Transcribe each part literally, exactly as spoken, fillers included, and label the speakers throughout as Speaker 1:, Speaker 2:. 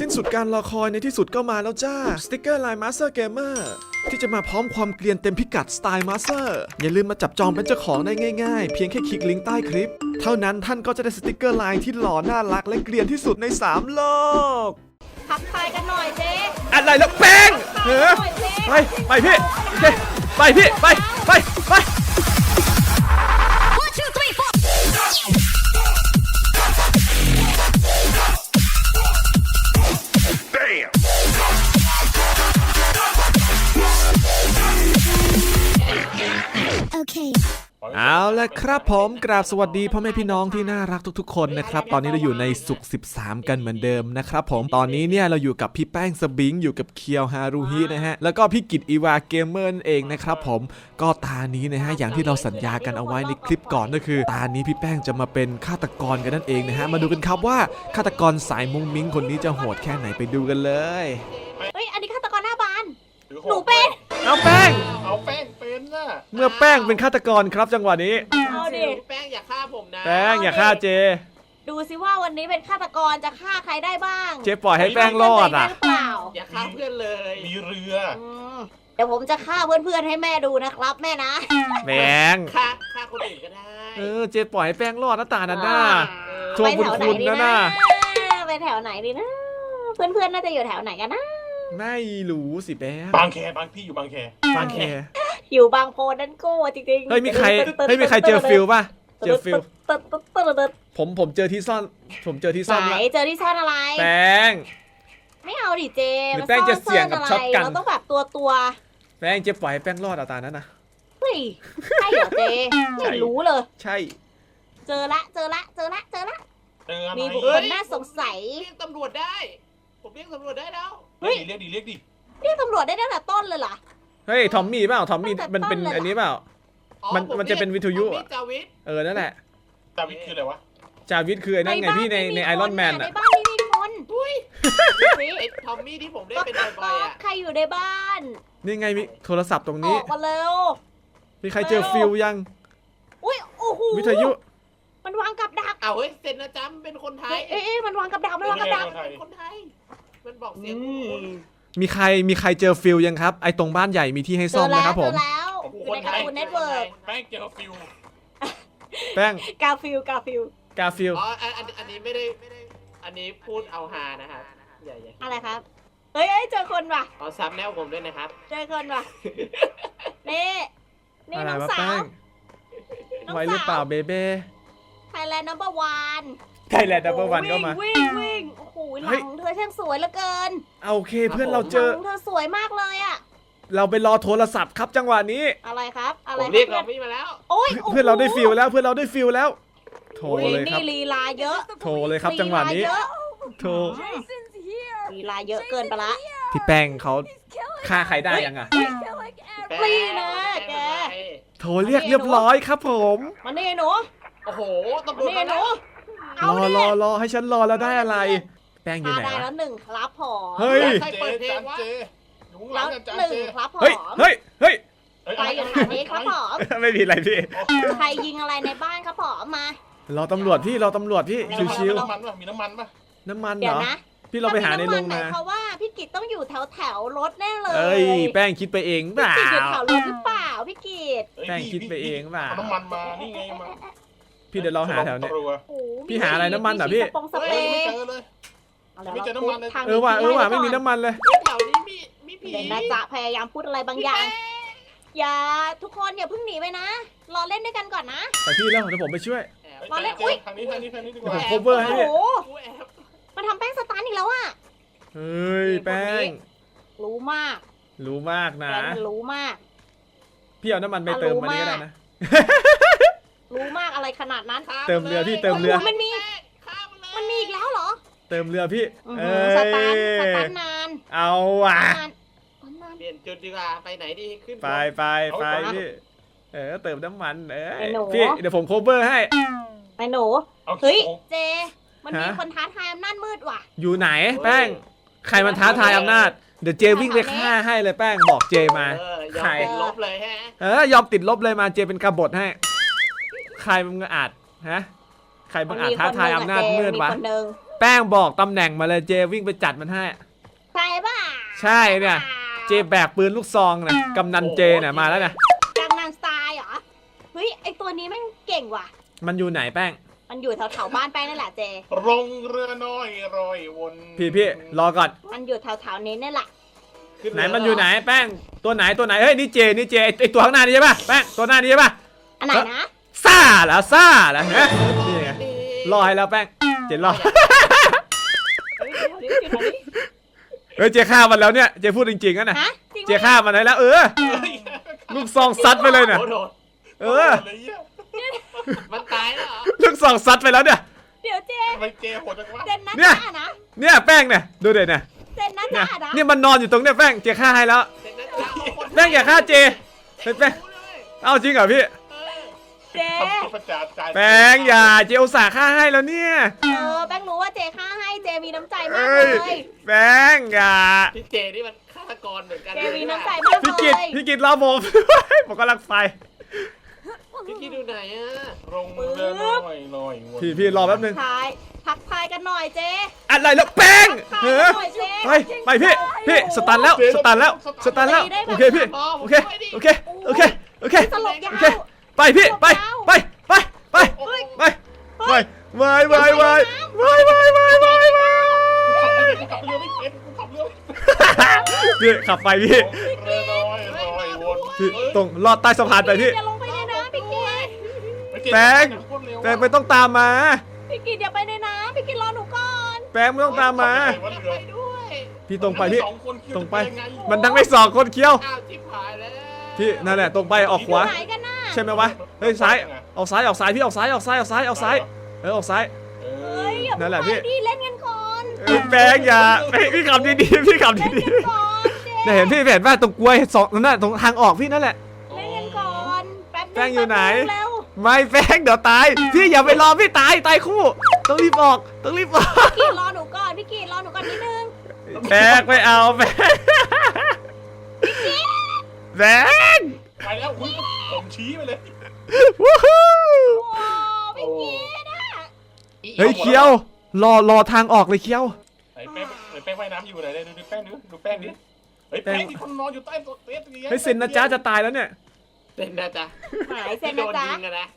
Speaker 1: สิ้นสุดการรอคอยในที่สุดก็มาแล้วจ้าสติ๊กเกอร์ลายมาสเตอร์เกมเมอร์ที่จะมาพร้อมความเกรียนเต็มพิกัดสไตล์มาสเตอร์อย่าลืมมาจับจองเป็นเจ้าของได้ง่ายๆเพียงแค่คลิกลิงก์ใต้คลิปเท่านั้นท่านก็จะได้สติ๊กเกอร์ลายที่หล่อน่ารักและเกรียนที่สุดในสามโลก
Speaker 2: ทักทายกันหน่อยเจ๊
Speaker 1: อะไรแล้วแป้งเฮ้ยไปไปพี่ไปพี่ไปไปไปเอาละครับผมกราบสวัสดีพ่อแม่พี่น้องที่น่ารักทุกๆคนนะครับตอนนี้เราอยู่ในศุกร์สิบสามกันเหมือนเดิมนะครับผมตอนนี้เนี่ยเราอยู่กับพี่แป้งสบิงอยู่กับเคียวฮารุฮินะฮะแล้วก็พี่กิตอีวาเกมเมอร์เองนะครับผมก็ตานี้นะฮะอย่างที่เราสัญญากันเอาไว้ในคลิปก่อนก็คือตานี้พี่แป้งจะมาเป็นฆาตกรกันนั่นเองนะฮะมาดูกันครับว่าฆาตกรสายมุ้งมิ้งคนนี้จะโหดแค่ไหนไปดูกันเลย
Speaker 2: เฮ้ยอันนี้ฆาตกรหน้าบานหนูเป็น
Speaker 1: เอาแป้ง
Speaker 3: เอาแป้งเป็นน่ะ
Speaker 1: เมื่อแป้งเป็นฆาตกรครับจังหวะนี้
Speaker 2: เอาดิ
Speaker 3: แป้งอย่าฆ่าผมนะ
Speaker 1: แป้งอย่าฆ่าเจ
Speaker 2: ดูสิว่าวันนี้เป็นฆาตกรจะฆ่าใครได้บ้าง
Speaker 1: เจปล่อยให้แป้งรอดอ่ะ
Speaker 3: อย่าฆ่าเพื่อนเลยมีเรือ
Speaker 2: เดี๋ยวผมจะฆ่าเพื่อนๆให้แม่ดูนะครับแม่นะ
Speaker 1: แป้ง
Speaker 3: ฆ่าฆ่าคนอื่นก็ได้
Speaker 1: เออเจปล่อยให้แป้งรอดนะตานันน่าโชว์บุญคุณนะน่า
Speaker 2: ไปแถวไหนดีนะเพื่อนๆน่าจะอยู่แถวไหนกันนะ
Speaker 1: ไม่รู้สิแป้ง
Speaker 3: บางแคบางพี่อยู่บางแค
Speaker 1: บางแค
Speaker 2: อยู่บางโพนั่นโก้จริงๆ
Speaker 1: เฮ้ยมีใครเฮ้ยมีใครเจอฟิลป่ะเจอฟิลผมผมเจอที่ซ่อนผมเจอที่ซ่อน
Speaker 2: ไหนเจอที่ซ่อนอะไร
Speaker 1: แป้ง
Speaker 2: ไม่เอาดิเจ
Speaker 1: หรือแป้งจะเสี่ยงกับช็อตกัน
Speaker 2: เราต้องแบบตัวตัว
Speaker 1: แป้งเจะปล่อยแป้งรอดเอาตานั้นนะ
Speaker 2: เฮ้ยใช่เหรอเจไม่รู้เลย
Speaker 1: ใช่
Speaker 2: เจอละเจอละเจอละเจอละมีบุคคลน่าสงสัย
Speaker 3: เรียกตำรวจได้ผมเรียกตำรวจได้แล้ว
Speaker 2: เฮ้ย
Speaker 3: เรียกดิเรียกดิ
Speaker 2: เรียกตำรวจได้ตั้งแต่ต้นเลยเหรอ
Speaker 1: เฮ้ยทอมมี่เปล่าทอมมี่มันเป็นอันนี้เปล่ามันมันจะเป็นวิทยุอ่ะเออนั่นแหละ
Speaker 3: จาวิทคืออะไรวะ
Speaker 1: จาวิทคือไอ้นั่นไงพี่ในในไอรอนแมนอ่ะ
Speaker 2: ในบ้านไม่มีคน
Speaker 3: อุ้ยไอ้ทอมมี่ที่ผมได้เป็นบ่อยๆอ่ะ
Speaker 2: ใครอยู่ในบ้าน
Speaker 1: นี่ไงมีโทรศัพท์ตรงนี้
Speaker 2: ออกมาเร็ว
Speaker 1: มีใครเจอฟิลยัง
Speaker 2: อุ้ยโอ้โห
Speaker 1: วิทยุ
Speaker 2: มันวางกับดัก
Speaker 3: เอาเฮ้ยเซนนะจ๊ะเป็นคนไทย
Speaker 2: เอ๊ะมันวางกับดักมันวางกับดัก
Speaker 3: เป็นคนไทยมันบอกเสียง
Speaker 1: มีใครมีใครเจอฟิลยังครับไอตรงบ้านใหญ่มีที่ให้ซ่อมนะครับผม
Speaker 2: เจอแล้วอยู่ในการ์ตูนเน็ตเวิร์ก
Speaker 3: แป้งเจอฟิล
Speaker 1: แป้ง
Speaker 2: กาฟิลกาฟิล
Speaker 1: กาฟิล
Speaker 3: อ๋ออันนี้ไม่ได้ไม่ได้อันนี้พูดเอาฮานะครับอย่าอย่า
Speaker 2: อะไรครับเฮ้ยเจอคนว่ะ
Speaker 3: อ๋อซับแนวผมด้วยนะครับ
Speaker 2: เจอคนว่ะนี่นี่น้องสาว
Speaker 1: ไว้หรือเปล่าเบเบ้
Speaker 2: ไทยแลนด์นัมเบอร์วัน
Speaker 1: ไทยแลนด์นัมเบอร์วันก็มา
Speaker 2: วิ่งวิ่งโอ้โหหลังเธอช่างสวยเหลือเกิน
Speaker 1: โอเคเพื่อนเราเจอ
Speaker 2: เธอสวยมากเลยอ่ะ
Speaker 1: เราไปรอโทรศัพท์ครับจังหวะนี้
Speaker 2: อะไรครับอะไร
Speaker 3: ผมเรียกเราไม่มาแล้ว
Speaker 2: โอ้ย
Speaker 1: เพื่อนเราได้ฟิลแล้วเพื่อนเราได้ฟิลแล้วโทรเลยครับ
Speaker 2: นี่ลีลาเยอะ
Speaker 1: โทรเลยครับจังหวะนี้โทร
Speaker 2: ลีลาเยอะเกินไปละ
Speaker 1: พี่แป้งเขาฆ่าใครได้ยังอ่ะ
Speaker 2: ลีนะแก
Speaker 1: โทรเรียกเรียบร้อยครับผม
Speaker 2: มานี่หนู
Speaker 3: โอ้โหตำรวจมา
Speaker 2: หนู
Speaker 1: รอรอรอให้ฉันรอแล้วได้อะไรแป้งอยู่ไหน
Speaker 2: ได้แล้วหนึ่งครับผอม
Speaker 1: เฮ้ย
Speaker 3: ใครเปิดเพลงวะ
Speaker 2: แล้วหนึ่งครับผอม
Speaker 1: เฮ้ยเฮ้ยเฮ้ย
Speaker 2: ใครอยู่แถวนี้ครับผอม
Speaker 1: ไม่มีอะไรพี่
Speaker 2: ใครยิงอะไรในบ้านครับผอมม
Speaker 1: ารอตำรวจพี่รอตำรวจพี่ชิวๆ
Speaker 3: น้ำมันป่ะมีน้ำมันป่ะ
Speaker 1: น้ำมันเหรอพี่เราไปหาในโรงนา
Speaker 2: เพราะว่าพี่กิตต้องอยู่แถวแถวรถแน่เลย
Speaker 1: เอ้ยแป้งคิดไปเองเปล่า
Speaker 2: พี่กิตอยู่แถวรถหรือเปล่าพี่กิต
Speaker 1: แป้งคิดไปเองเปล่า
Speaker 3: น้ำมันมานี่ไงมา
Speaker 1: พี่เดี๋ยวเราหาแถวนี้พี่หาอะไรน้ำมันเหรอพี่
Speaker 3: ไม่เจอเลยไม่เจอน้ำมันเลย
Speaker 1: เออว่ะเออว่ะไม่มีน้ำมันเลย
Speaker 3: แถวนี้มีมีผี
Speaker 2: เดี๋ยวนะจ๊ะพยายามพูดอะไรบางอย่างอย่าทุกคนอย่าเพิ่งหนีไปนะรอเล่นด้วยกันก่อนนะ
Speaker 1: แต่พี่แล้วเดี๋ยวผมไปช่วย
Speaker 2: รอเล่นอุ้ย
Speaker 3: ทางนี้ทางนี้ทางนี้ดีกว่า
Speaker 1: ผม cover ให้พี่
Speaker 2: มันทำแป้งสตาร์ทอีกแล้วอ่ะ
Speaker 1: เฮ้ยแป้ง
Speaker 2: รู้มาก
Speaker 1: รู้มากนะ
Speaker 2: รู้มาก
Speaker 1: พี่เอาน้ำมันไปเติมมานี่ก็ได้นะ
Speaker 2: รู้มากอะไรขนาดนั้น
Speaker 1: เติมเรือพี่เติมเรือ
Speaker 2: มันมีมันมีอีกแล้วเหรอ
Speaker 1: เติมเรือพี่
Speaker 2: สตาร์ทสตาร์ทนาน
Speaker 1: เอาว่ะ
Speaker 3: เปลี่ยนจุดดีกว่าไปไหนดีขึ้น
Speaker 1: ไปไปไปพี่เออเติมน้ำมันเออพี่เดี๋ยวผมโคเวอร์ให้
Speaker 2: ไปหนูเฮ้ยเจมันมีคนท้าทายอำนาจมืดว่ะ
Speaker 1: อยู่ไหนแป้งใครมันท้าทายอำนาจเดี๋ยวเจวิ่งไปฆ่าให้เลยแป้งบอกเจมา
Speaker 3: ใครลบเลยฮะ
Speaker 1: เออยอมติดลบเลยมาเจเป็นกบฏให้ใครมึงอาจฮะใครมึงอาจท้าทายอำนาจมืดวะแป้งบอกตำแหน่งมาเลยเจวิ่งไปจัดมันให้
Speaker 2: ใช่ป่ะ
Speaker 1: ใช่เนี่ยเจแบกปืนลูกซองนะกำนันเจเนี่ยมาแล้วนะ
Speaker 2: กำนันสไตล์เหรอเฮ้ยไอตัวนี้แม่งเก่งว่ะ
Speaker 1: มันอยู่ไหนแป้ง
Speaker 2: มันอยู่แถวๆบ้านแป้งนั่นแหละเจ
Speaker 3: รงเรือน้อยรอยวน
Speaker 1: พี่พี่รอก่อน
Speaker 2: มันอยู่แถวๆนี้นี่แหละ
Speaker 3: ขึ้
Speaker 1: ไหน
Speaker 3: เรื
Speaker 1: มันอยู่ไหนแป้งตัวไหนตัวไหนเฮ้ยนี่เจนี่เจไอ้ไอตัวข้างหน้านี่ใช่ป่ะแป้งตัวหน้านี่ใช่ป่ะ
Speaker 2: อันไหนนะ
Speaker 1: ซ่าเหรอซ่าเหรอฮะนี่ไงรอให้แล้วแป้งเจรอ
Speaker 2: เฮ้ยเดี๋ยวเดี๋ยวเดี๋ยวเดี๋ยว
Speaker 1: เฮ้ยเจฆ่ามันแล้วเนี่ยเจพูดจริงๆนะ
Speaker 2: ฮะจริง
Speaker 1: เจฆ่ามันได้แล้วเออ
Speaker 3: เฮ้ย
Speaker 1: ลูกซองซัดไปเลยเนี่ย
Speaker 3: โอ้โห
Speaker 1: เออ
Speaker 3: โดนเลยเหี้ยมันตายแล้วเหรอ
Speaker 1: ลูกซองซัดไปแล้วเนี่ย
Speaker 2: เดี๋ยวเจ
Speaker 3: ทำไมเจโหดจังวะ
Speaker 2: เซนนะ
Speaker 1: เนี่ย
Speaker 2: จ้านะ
Speaker 1: เนี่ยแป้งเนี่ยดูเด็ดเนี่ย
Speaker 2: เซนนะ
Speaker 1: เนี่ย
Speaker 2: จ้านะ
Speaker 1: เนี่ยมันนอนอยู่ตรงเนี่ยแป้งเจฆ่าให้แล้ว
Speaker 3: เสร็จแล้วจ้าเอาคน
Speaker 1: แป้งอย่าฆ่าเจเป็นแป้ง
Speaker 3: รู้เลย
Speaker 1: เอาจริงเหรอพี่
Speaker 3: เออ
Speaker 2: เจ
Speaker 3: ทำตัวประจานใจ
Speaker 1: แป้งอย่าเจอุตส่าห์ฆ่าให้แล้วเนี่ย
Speaker 2: เออแป้งรู้ว่าเจฆ่าให้เจมีน้ำใจมาก
Speaker 1: เอ้
Speaker 2: เลย ย
Speaker 1: แป้งอย่า
Speaker 3: พี่เจนี่มันฆาตกรเหมือนกัน
Speaker 2: เจ
Speaker 3: เลย
Speaker 2: มีน้ำใจมาก
Speaker 1: พี่
Speaker 2: เล
Speaker 1: กิต
Speaker 2: ย
Speaker 1: พี่กิตรอผม ผมกำลังไฟ
Speaker 3: พี่กิตดูไหนอะรงเรือน้อยรอยวน
Speaker 1: พี่พี่รอแป๊บนึง
Speaker 2: ทายทักทายกันหน่อยเจ
Speaker 1: อะไรแล้วแป้ง
Speaker 2: ทัก
Speaker 1: เอ
Speaker 2: ทาย
Speaker 1: อ
Speaker 2: กันหน่อยเจ
Speaker 1: ไปไปพี่พี่สตันแล้วสตันแล้วสตันแล้วโอเคพี่โอเคโอเคโอเคโอเค
Speaker 2: ตลกยา
Speaker 1: โอเคว ไปพี่ไปไปไปไปไปไปไปไปไปไปไปไปไปไปไป
Speaker 3: ขับเรือไม่เป็นขับเรือไม่เป็น
Speaker 1: พี่ขับไปพี่
Speaker 3: เรือน้อยรอยวน
Speaker 1: พี่ตรงลอดใต้สะพานไปพี่
Speaker 2: อย่าลงไปในน้ำพี่กิต
Speaker 1: แป้ง แป้งไม่ต้องตามมา
Speaker 2: พี่กิตอย่าไปในน้ำพี่กิตรอหนูก่อน
Speaker 1: แป้งไม่ต้องตามมา
Speaker 3: ไปด้วย
Speaker 1: พี่ตรงไปพี่
Speaker 3: สองคนคิว
Speaker 1: ตรงไป
Speaker 3: จะยังง
Speaker 1: มันทั้งไม่สองคนเคี้ยว
Speaker 3: อ้าวจิ๊บหายแล้ว
Speaker 1: พี่นั่นแหละตรงไปออกขวา
Speaker 2: ไหนกันน่ะ
Speaker 1: ใช่ไหมวะเฮ้ยซ้ายออกซ้ายออกซ้ายพี่ออกซ้ายออกซ้ายออกซ้ายออกซ้ายเออออกซ้าย
Speaker 3: เอ
Speaker 2: เฮ้
Speaker 3: อย
Speaker 2: อย่า
Speaker 1: นั่นแหละ
Speaker 2: เพิ่ง
Speaker 1: พี่
Speaker 2: ไปดิเล่นกันก่อน
Speaker 1: เออแป้งอย่าเฮ้ยพี่ขับดีๆพี่ขับ
Speaker 2: เล่น
Speaker 1: ดี
Speaker 2: กันก่อนเจ
Speaker 1: ๆเนี่ยเห็นพี่เห็นว่าตรงกล้วยสองนั่นน่ะตรงทางออกพี่นั่นแหละ
Speaker 2: เล่นกันก่อนแป๊บนึง
Speaker 1: แป้งอยู่ไหน
Speaker 2: เร็ว
Speaker 1: ไม่แป้งเดี๋ยวตายพี่อย่าไปรอพี่ตายตายคู่ต้องรีบออกต้องรีบออก
Speaker 2: พี่กิตรอหนูก่อนพี่กิตรอหนูก่อนนิดนึง
Speaker 1: แป้งไม่เอาแป้งแป้ง
Speaker 3: ไปแล้วคุณผมชี้ไปเลย
Speaker 1: วู้ฮู้
Speaker 2: โอ้พี่กิตอะ
Speaker 1: เฮ้ยเคี้ยวรอรอทางออกเลยเคี้ยว
Speaker 3: ไหนแป้งไหนแป้งว่ายน้ำอยู่ไหนดูดูแป้งดูดูแป้งดิเฮ้ยแป้งที่คนนอนอยู่ใต้โต๊ะเต๊ะตรงนี้
Speaker 1: เฮ้ยเซนนะจ๊ะจะตายแล้วเนี่ย
Speaker 3: เซนนะจ๊ะ
Speaker 2: หายเซน
Speaker 3: โด
Speaker 2: นะ
Speaker 3: น
Speaker 2: จ๊ะ
Speaker 3: ยิงอะนะ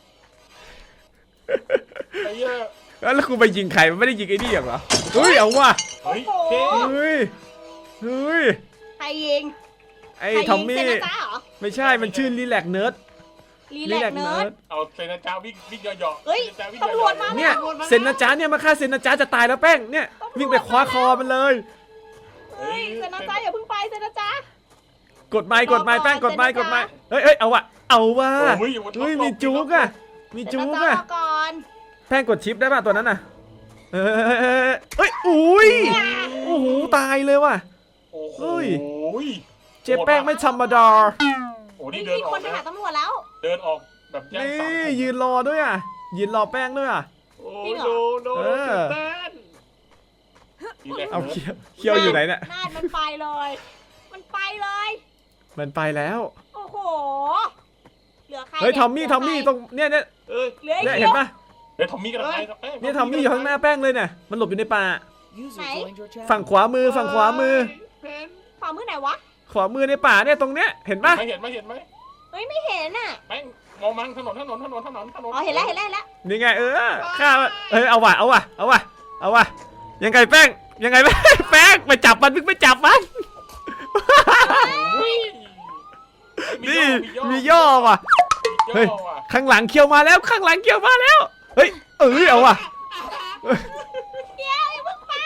Speaker 3: ไอ้เหี้ย
Speaker 1: แล้วกูไปยิงใครมันไม่ได้ยิงไอ้นี่อย่างเหรอเฮ้ยเอาว่ะ
Speaker 3: เฮ้ยเค
Speaker 1: เฮ้ยเฮ้ย
Speaker 2: ใครยิง
Speaker 1: ไอ้
Speaker 2: ใคร
Speaker 1: ทอม
Speaker 2: ยิง
Speaker 1: มี่
Speaker 2: เซนนะจ๊ะเหรอ
Speaker 1: ไม่ใช่มันชื่อรีแลกเนิร์ด
Speaker 2: รีแลกเนิร์ด
Speaker 3: เอาเซนนะจ๊ะวิ่งวิ่งย่อๆ
Speaker 2: เฮ้ย
Speaker 3: ซนนะจ๊ะวิ่ง
Speaker 2: ตำรวจมา
Speaker 3: ย่อๆ
Speaker 1: เนี่ยเซนนะจ๊ะเนี่ยมาฆ่าเซนนะจ๊ะจะตายแล้วแป้งเนี่ยวิ่งไปคว้าคอมันเลย
Speaker 2: เฮ้ยเซนนะจ๊ะอย่าเพิ่งไปเซนนะจ๊ะ
Speaker 1: กดไม้กดไม้แป้งกดไม้กดไม้เฮ้ยเฮ้ยเอาว่ะเอาว่ะ
Speaker 3: โอ้ยอยู่บนท็อป
Speaker 1: เฮ้ยมีจุกอะมี
Speaker 2: เซน
Speaker 1: จุ
Speaker 2: นะ
Speaker 1: ก
Speaker 2: จ๊ะ
Speaker 1: อะ
Speaker 2: รอก่อน
Speaker 1: แป้งกดชิปได้ป่ะตัวนั้นน่ะเฮ้ยเฮ้ยอุ้ยโอ้โหตายเลยว่ะ
Speaker 3: โอ้โห
Speaker 1: เฮ้ย เจ๊แป้งไม่ธรรมดา
Speaker 3: โอ้
Speaker 2: เฮ้
Speaker 3: นี่
Speaker 2: ย
Speaker 3: เดิน
Speaker 2: มี
Speaker 3: ออ
Speaker 2: ค
Speaker 3: ก
Speaker 2: นไป
Speaker 3: นะ
Speaker 2: หาตำรวจแล้ว
Speaker 3: เดินออกแบบแย่ง
Speaker 1: นี่
Speaker 3: สาม
Speaker 1: ยืนรอด้วยอ่ะยืนรอแป้งด้วยอ่ะ
Speaker 3: โอ้โนโน
Speaker 1: เออ
Speaker 3: เต้นนี่แหละ
Speaker 1: เอาเคี้ยวเคี้ยวอยู่ไหนเนี่ย
Speaker 2: นาดมันไปเลย มันไปเลย
Speaker 1: มันไปแล้ว
Speaker 2: โอ้โห เหลือใคร
Speaker 1: เฮ้ย
Speaker 2: นี่
Speaker 1: ทอมมี่
Speaker 2: เห
Speaker 1: ท
Speaker 2: ลื
Speaker 1: อมมี่
Speaker 2: ใค
Speaker 1: ตรงเนี่ยเนี่ย
Speaker 3: เอ้ย
Speaker 2: เหลือไอ้
Speaker 1: เนี่ย
Speaker 2: เขี
Speaker 1: เห็
Speaker 2: ย
Speaker 1: น
Speaker 2: ว
Speaker 1: ปะ
Speaker 3: เฮ้ยทอมมี่กันไปแป้ง
Speaker 1: เนี่ยทอมมี่อยู่ข้างหน้าแป้งเลยเนี่ยมันหลบอยู่ในป่า
Speaker 2: ไหน
Speaker 1: ฝั่งขวามือฝั่งขวามือ
Speaker 3: เพน
Speaker 2: ขวามือไหนวะ
Speaker 1: ขวามือในป่าเนี่ยตรงเนี้ยเห็นปะ
Speaker 3: ไม่เห็นไม่เห็นไหม
Speaker 2: เฮ้ยไม่เห็นอ่ะ
Speaker 3: แป้งมองมันถนนถนนถนนถนนถนน
Speaker 2: อ๋อเห็นแล้วเห็นแล้วเห็นแล้ว
Speaker 1: นี่ไงเออข้าเอ้ยเอาว่ะเอาว่ะเอาว่ะเอาว่ะยังไงแป้งยังไงแป้งแป้งไปจับมันมึงไปจับมัน
Speaker 3: อุ้ย
Speaker 1: นี่มีย่อว่ะ
Speaker 3: มี
Speaker 1: เฮ้ย
Speaker 3: ย่อว่ะ
Speaker 1: ข้างหลังเคี้ยวมาแล้วข้างหลังเคี้ยวมาแล้วเฮ้ยเอ้ยเอาว่ะ
Speaker 2: เดี๋ยวอย่าเพิ่งไป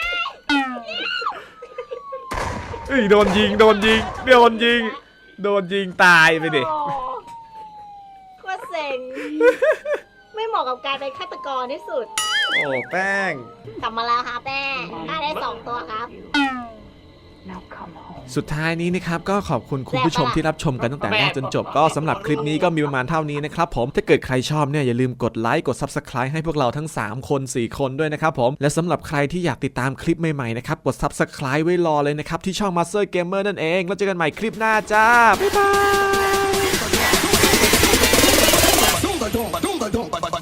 Speaker 1: เอ้ยโดนยิงโดนยิงโดนยิงโดนยิงตายไปดิ
Speaker 2: โอ้โคตรเซ็ง ไม่เหมาะกับการเป็นฆาตกรที่สุด
Speaker 1: โอ้แป้ง
Speaker 2: กลับมาแล้วค่ะแป้งได้ได้สองตัวครับ
Speaker 1: สุดท้ายนี้นะครับก็ขอบคุณคุณผู้ชมที่รับชมกันตั้งแต่แรกจนจบก็สำหรับคลิปนี้ก็มีประมาณเท่านี้นะครับผมถ้าเกิดใครชอบเนี่ยอย่าลืมกดไลค์กด Subscribe ให้พวกเราทั้งสามคนสี่คนด้วยนะครับผมและสำหรับใครที่อยากติดตามคลิปใหม่ๆนะครับกด Subscribe ไว้รอเลยนะครับที่ช่อง Master Gamer นั่นเองแล้วเจอกันใหม่คลิปหน้าจ้าบ๊ายบาย